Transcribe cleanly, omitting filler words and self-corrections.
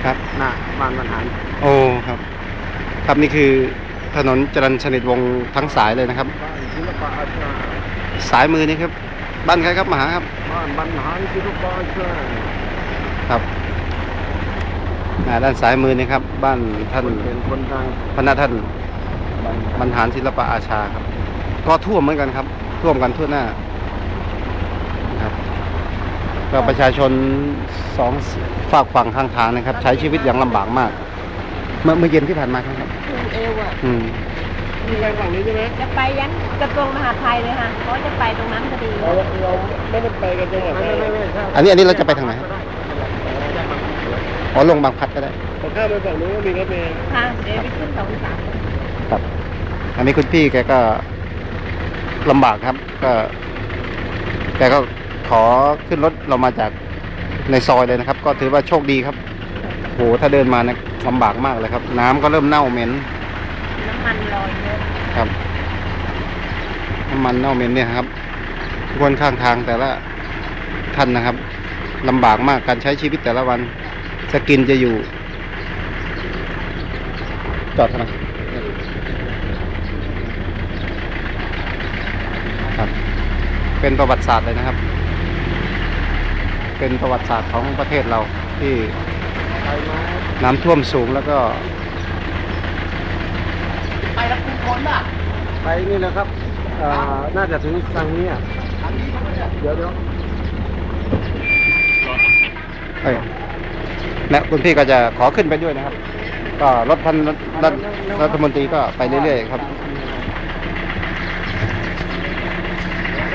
ครับหน้าบ้านบรรหารโอ้ครับครับนี่คือถนนจรัญสนิทวงศ์ทั้งสายเลยนะครับบ้านศิลปะอาชาสายมือนี่ครับบ้านใครครับมหาครับบ้านบรรหารศิลปะอาชาครับด้านซ้ายมือนี่ครับบ้านท่านเป็นคนดังพระท่านบรรหารศิลปะอาชาครับก็ท่วมเหมือนกันครับท่วมกันทั่วหน้าครับก็ประชาชนสองฝากฝั่งข้างทางนะครับใช้ชีวิตอย่างลำบากมากเมื่อเย็นที่ผ่านมาครับเอวอ่ะมีไปฝั่งนี้ใช่ไหมจะไปยันกระทรวงมหาดไทยเลยค่ะเพราะจะไปตรงนั้นพอดีเราไม่ได้ไปกันจังหวัดอันนี้เราจะไปทางไหนอ๋อลงบางพัดก็ได้แต่ถ้าไปฝั่งนู้นก็มีรถเมล์ค่ะเดี๋ยวไปขึ้น2-3 ครับอันนี้คุณพี่แกก็ลำบากครับแกก็ขอขึ้นรถเรามาจากในซอยเลยนะครับก็ถือว่าโชคดีครับโหถ้าเดินมาเนี่ยลำบากมากเลยครับน้ำก็เริ่มเน่าเหม็นน้ำมันลอยเยอะครับน้ำมันเน่าเหม็นเนี่ยครับวนข้างทางแต่ละท่านนะครับลำบากมากการใช้ชีวิตแต่ละวันจะกินจะอยู่จอดทำไมครับเป็นประวัติศาสตร์เลยนะครับเป็นประวัติศาสตร์ของประเทศเราที่น้ำท่วมสูงแล้วก็ไปแล้วคุณคนอ่ะไปนี่แหละครับน่าจะถึงทางนี้อ่ะเดี๋ยวและคุณพี่ก็จะขอขึ้นไปด้วยนะครับก็รถท่านรัฐมนตรีก็ไปเรื่อยๆครับ